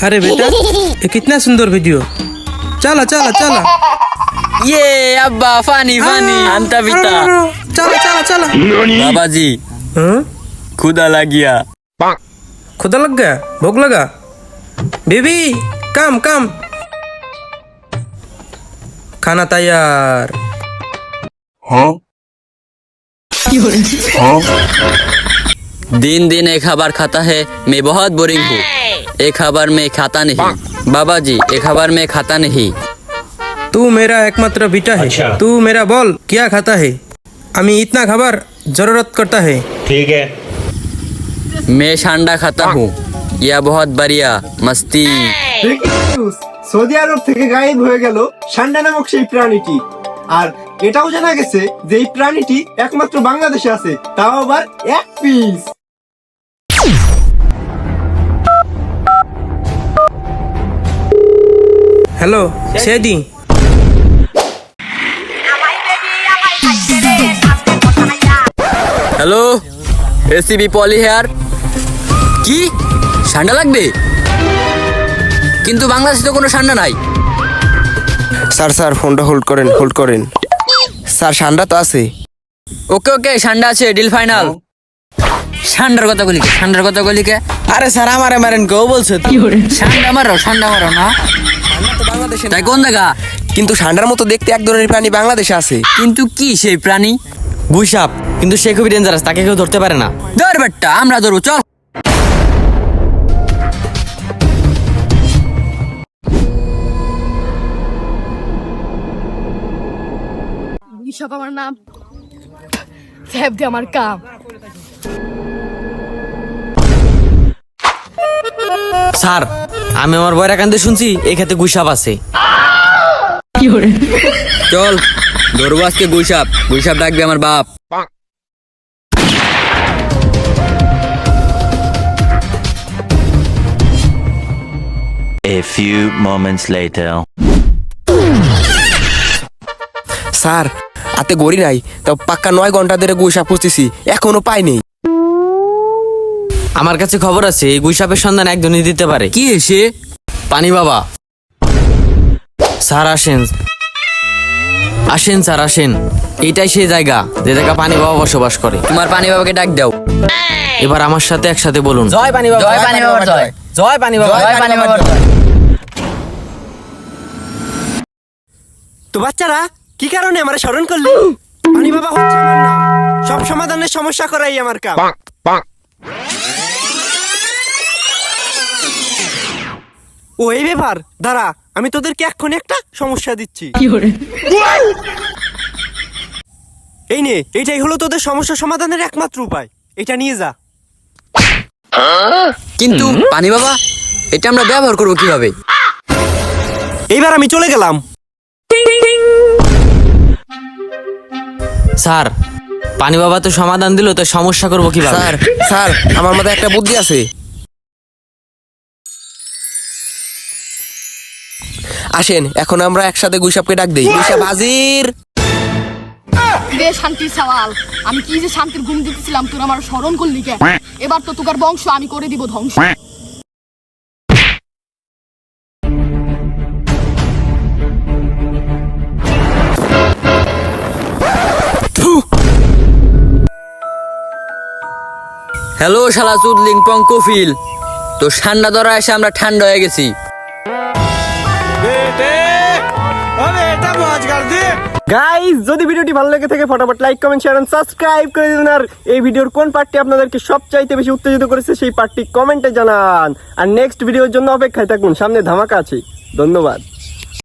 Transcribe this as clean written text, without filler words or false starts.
अरे बेटा ये कितना सुंदर वीडियो। चला चला चला। ये अब्बा फानी फानी अंता पिता। चला चला चला। बाबा जी खुदा लग गया। खुदा लग गया, भूख लगा। बेबी कम कम, खाना तैयार। दिन दिन एक खबर खाता है, मैं बहुत बोरिंग हूँ। एक खबर में खाता नहीं बाबा जी, एक खबर में खाता नहीं। तू मेरा एकमात्र बेटा है। अच्छा। तू मेरा बोल क्या खाता है। अमी इतना खबर जरूरत करता है। ठीक है। मैं शांडा खाता हूँ, यह बहुत बढ़िया मस्ती। সৌদি আরব থেকে গায়েব হয়ে গেল সান্ডা নামক সেই প্রাণীটি। আর এটাও জানা গেছে যে এই প্রাণীটি একমাত্র বাংলাদেশে আছে, তাও আবার এক পিস। हेलो सेदी, हेलो एसीबी पॉली हेयर কি ঠান্ডা লাগবে? কিন্তু বাংলাদেশে তো কোনো ঠান্ডা নাই। স্যার স্যার ফোনটা হোল্ড করেন স্যার ঠান্ডা তো আছে। ওকে ওকে ঠান্ডা আছে, ডিল ফাইনাল। ঠান্ডার কথা বলি কে? আরে স্যার আমারে মারেন কেউ বলছে তো। ঠান্ডা মারো না। তাই কোন জায়গা? কিন্তু ঠান্ডার মতো দেখতে এক ধরনের প্রাণী বাংলাদেশে আছে। কিন্তু কি সেই প্রাণী? গুইসাপ, কিন্তু সে খুবই ডেঞ্জারাস, তাকে কেউ ধরতে পারে না। ধর বেটা, আমরা ধরবো, চল। সব আমার নাম স্যাব দে আমার কাম। স্যার আমি আমার বয়রা কান্দে শুনছি এই ক্ষেত্রে গুইসাপ আছে। চল ধরবো আজকে গুইসাপ ডাকবে আমার বাপ। A few moments later. Sir আতে গড়ি নাই, তাও পাক্কা 9 ঘন্টা ধরে গুইসাপ খুঁজতেছি, এখনো পাইনি। আমার কাছে খবর আছে এই গুইসাপের সন্ধান একজনই দিতে পারে। কি এসে? পানি বাবা। স্যার আসেন স্যার আসেন, এটাই সেই জায়গা যে জায়গা পানি বাবা বসবাস করে। তোমার পানি বাবাকে ডাক দাও। এবার আমার সাথে একসাথে বলুন, জয় পানি বাবা, জয় পানি বাবা, জয় জয় পানি বাবা, জয় পানি বাবা। তো বাচ্চারা কি কারণে আমার স্মরণ করলি? পানি বাবা হচ্ছে আমার নাম, সব সমাধানের সমস্যা করাই আমার কাম। ও এই ব্যাপার, দাঁড়া আমি তোদেরকে এক্ষুনি একটা সমস্যা দিচ্ছি। এই নে, এইটাই হলো তোদের সমস্যা সমাধানের একমাত্র উপায়, এটা নিয়ে যা। কিন্তু পানি বাবা, এটা আমরা ব্যবহার করবো কিভাবে? এইবার আমি চলে গেলাম। স্যার পানি বাবা তো সমাধান দিল, তো সমস্যা করবো কিভাবে? স্যার স্যার আমার মাথায় একটা বুদ্ধি আছে। আসেন এখন আমরা একসাথে গুইসাপকে ডাক দেই। গুইসাপ হাজির। বে শান্তির সওয়াল, আমি কি যে শান্তির ঘুম দিতেছিলাম, তোর আমার স্মরণ করলি কে? এবার তো তোকার বংশ আমি করে দিব ধ্বংস। হ্যালো শালা চুদলিং পঙ্কফিল, তো ঠান্ডা ধরা এসে আমরা ঠান্ডা হয়ে গেছি। গাইস যদি ভিডিওটি ভালো লেগে থাকে ফটাফট like comment share and subscribe করে দিন। আর এই ভিডিওর কোন পার্টটি আপনাদেরকে সবচাইতে বেশি উত্তেজিত করেছে সেই পার্টটি কমেন্টে জানান। আর নেক্সট ভিডিওর জন্য অপেক্ষায় থাকুন, সামনে ধামাকা আছে। ধন্যবাদ।